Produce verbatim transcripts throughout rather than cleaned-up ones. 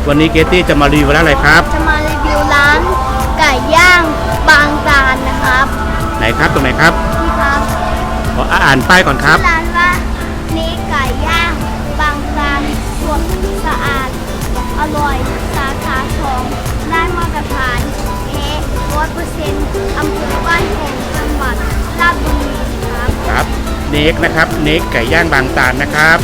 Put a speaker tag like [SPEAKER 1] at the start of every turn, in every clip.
[SPEAKER 1] วันนี้เกตตี้จะมารีวิวร้านอะไรครับ
[SPEAKER 2] จะมารีวิวร้านไก่ย่างบางตาลนะครับ
[SPEAKER 1] ไหนครับตรงไหนครับ
[SPEAKER 2] นี่ครับ
[SPEAKER 1] ขออ่านป้ายก่อนครับ
[SPEAKER 2] ร้านว่านี้ไก่ย่างบางตาลสดสะอาดอร่อยสาขาของได้มาตรฐานเทสร้อยเปอร์เซ็นต์อำเภอบ้านโป่งจังหวัดราชบุรีครับ
[SPEAKER 1] ครับเนกนะครับเนกไก่ย่างบางตาลนะครับ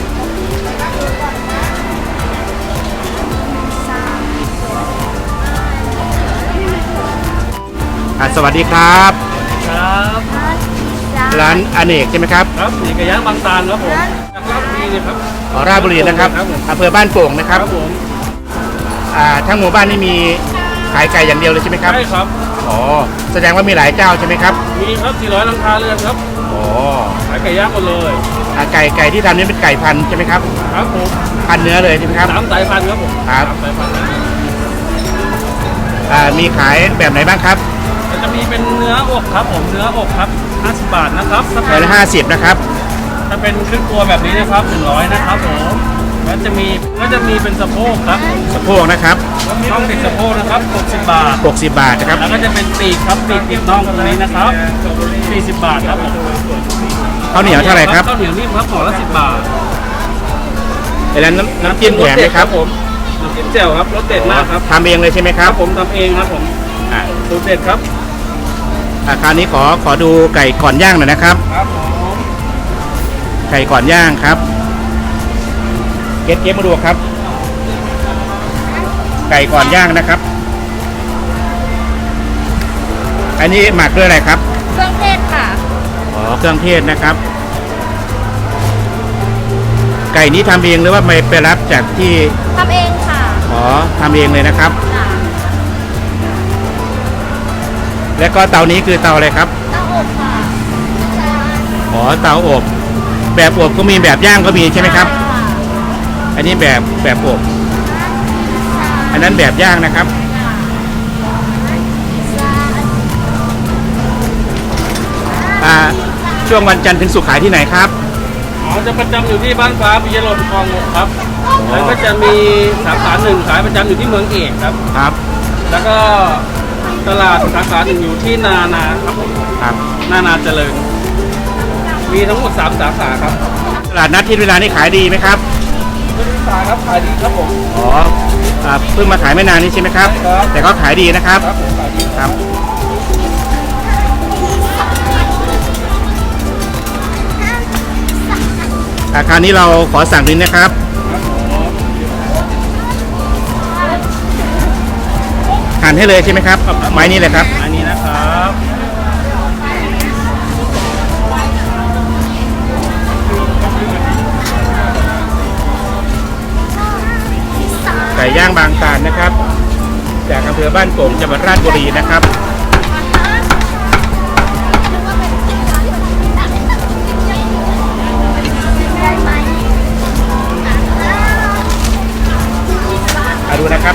[SPEAKER 1] สวัสดีครับ
[SPEAKER 3] ครับ
[SPEAKER 1] ร้านอเนกใช่ไหมครับ
[SPEAKER 3] ครับเนกไก่ย่างบางตาลครับผมจากราชบุรีเลยครับ
[SPEAKER 1] อ๋อราชบุรีนะครับอำเภอบ้านโป่งนะครับ
[SPEAKER 3] ครับผม
[SPEAKER 1] อ่าทั้งหมู่บ้านนี่มีขายไก่อย่างเดียวเลยใช่ไหมครับ
[SPEAKER 3] ใช่ครับ
[SPEAKER 1] อ๋อแสดงว่ามีหลายเจ้าใช่ไหมครับ
[SPEAKER 3] มีครับสี่ร้อยหลังคาเรือนครับ
[SPEAKER 1] อ๋อ
[SPEAKER 3] ขายไก่ย่างหมดเลย
[SPEAKER 1] อ่าไก่ไก่ที่ทำนี่เป็นไก่พันธุ์ใช่ไหมครับ
[SPEAKER 3] ครับผม
[SPEAKER 1] พันเนื้อเลยใช่ไหมครับ
[SPEAKER 3] สามสายพันธุ์ครับผม
[SPEAKER 1] ครับ
[SPEAKER 3] สายพันธุ์
[SPEAKER 1] อ่ามีขายแบบไหนบ้างครับ
[SPEAKER 3] จะมีเป็นเนื้ออกครับผมเนื้ออกครับห้าสิบบาทนะครับ
[SPEAKER 1] ถ้าเป็นห้าสิบนะครับ
[SPEAKER 3] ถ้าเป็นครึ่งตัวแบบนี้นะครับหนึ่งร้อยนะครับผมแล้วจะมีก็จะมีเป็นสะโพกครับ
[SPEAKER 1] สะโพกนะครับ
[SPEAKER 3] น่องติดสะโพกนะครับหกสิบบาท
[SPEAKER 1] หกสิบบาทนะครับ
[SPEAKER 3] แล้วก็จะเป็นปีกครับปีกติดน่องตรงนี้นะครับสี่สิบบาทครับผม
[SPEAKER 1] ข้าวเหนียวเท่าไหร่ครับ
[SPEAKER 3] ข้าวเหนียวนิ่มครับห่อละสิบบาท
[SPEAKER 1] ไอ้แล้วน้ำน้ำจิ้มแถมไหมครับ
[SPEAKER 3] ผมน้ำจิ้มแจ่วครับรสเด็ดมากครับ
[SPEAKER 1] ทำเองเลยใช่ไหมครับ
[SPEAKER 3] ผมทำเองครับผม
[SPEAKER 1] อ่า
[SPEAKER 3] สูตรเด็ดครับ
[SPEAKER 1] อาคราวนี้ขอขอดูไก่ก่อนย่างหน่อยนะครับ
[SPEAKER 3] ครับผม
[SPEAKER 1] ไก่ก่อนย่างครับเก็บเก็บมาดูครับไก่ก่อนย่างนะครับอันนี้หมักด้วยอะไรครับ
[SPEAKER 2] เครื่องเทศค่ะ
[SPEAKER 1] อ๋อเครื่องเทศนะครับไก่นี้ทำเองหรือว่าไม่ไปรับจากที่
[SPEAKER 2] ทำเองค่ะ
[SPEAKER 1] อ๋อทำเองเลยนะครับแล้วก็เตานี้คือเตาอะไรครับ
[SPEAKER 2] เตาอบค่ะ
[SPEAKER 1] อ๋อเตาอบแบบอบก็มีแบบย่างก็มีใช่ไหมครับอันนี้แบบแบบอบอันนั้นแบบย่างนะครับอ่าช่วงวันจันทร์ถึงศุกร์ขายที่ไหนครับ
[SPEAKER 3] อ๋อจะประจำอยู่ที่บ้านฟ้าปิยะลมคลองหกครับแล้วก็จะมีสาขาหนึ่งขายประจำอยู่ที่เมืองเอกครับ
[SPEAKER 1] ครับ
[SPEAKER 3] แล้วก็ตลาดสาขาหนึ่งอยู่ที่นานาครับผม
[SPEAKER 1] ครับ
[SPEAKER 3] นานาเจริญมีทั้งหมดสามสาขาครับ
[SPEAKER 1] ตลาดนัดที่เวลานี้ขายดีไหมครับ
[SPEAKER 3] ไม่ได้ขายครับขายดีครับผม
[SPEAKER 1] อ๋อเพิ่งมาขายไม่นานนี้ใช่ไหมครับแต่ก็ขายดีนะครับ
[SPEAKER 3] ครับผมขายดี
[SPEAKER 1] ครับอาคารนี้เราขอสั่งดินนะครับหั่นให้เลยใช่ไหมครับไม้นี้เลยครับ
[SPEAKER 3] อันนี้นะครับ
[SPEAKER 1] ไก่ย่างบางตาลนะครับจากอำเภอบ้านโป่งจังหวัดราชบุรีนะครับมาดูนะครับ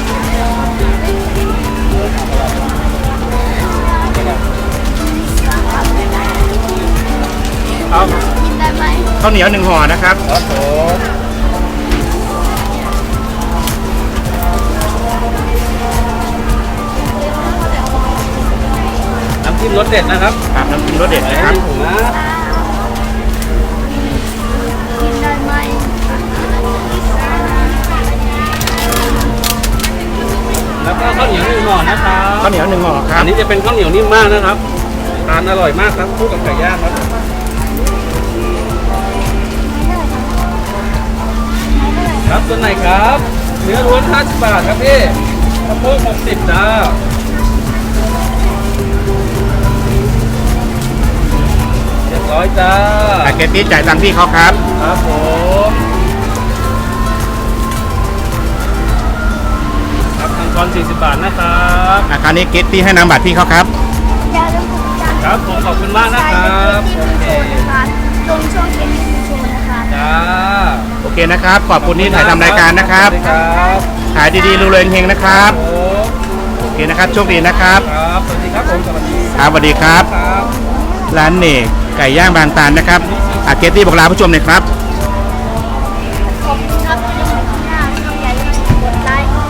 [SPEAKER 1] เอาข้าวเหนียวหนึ่งห่อนะครับ
[SPEAKER 3] ครับผมน้ำจิ้มรสเด็ดนะครับ
[SPEAKER 1] ครับน้ำจิ้มรสเด็ดนะครับ
[SPEAKER 3] ถูกนะ
[SPEAKER 2] กินได้ไหม
[SPEAKER 3] แล้วก็ข้าวเหนียวหนึ่งห่อนะครับ
[SPEAKER 1] ข้าวเหนียวหนึ่งห่อครับ
[SPEAKER 3] อันนี้จะเป็นข้าวเหนียวนิ่มมากนะครับทานอร่อยมากครับคู่กับไก่ย่างครับครับตัวไหนครับเนื้อล้วนห้าสิบบาทครับพี่สะโพกหกสิบจ้าเจ็ดร้อยจ้า
[SPEAKER 1] อาเกตตี้จ่ายตังค์พี่เขาครับ
[SPEAKER 3] ครับผมครับทางกรสี่สิบบาทนะครับ
[SPEAKER 1] อาคารนี้เกตตี้ให้นำบัตรพี่เขาครับ
[SPEAKER 3] ครับผมขอบคุณมากนะครับ
[SPEAKER 2] โอเคตรงช่วงเก็บที่โชว์นะคะ
[SPEAKER 3] จ้า
[SPEAKER 1] โอเคนะครับขอบคุณที่ถ่ายทำรายการนะครับขายดีๆรวยๆเฮงๆนะครับโอเคนะครับโชคดีนะครับ
[SPEAKER 3] ครับสวัสดีครับผมสวัสดี
[SPEAKER 1] ครับสวัสดีครับร้านเนกไก่ย่างบางตาลนะครับอาเกตตี้บอกลาผู้ชมหน่อยครับ
[SPEAKER 2] ขอบคุณครับที่ดูคลิปหน้าช่องใหญ่กดไลค์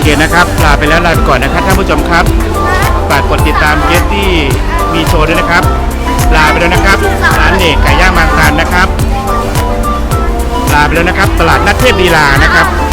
[SPEAKER 1] เคนะครับลาไปแล้วลาไปก่อนนะครับท่านผู้ชมครับฝากกดติดตามเกสที่มีโชว์ด้วยนะครับลาไปแล้วนะครับร้านเอกไก่ย่างบางตาลนะครับลาไปแล้วนะครับตลาดนัดเทพลีลานะครับ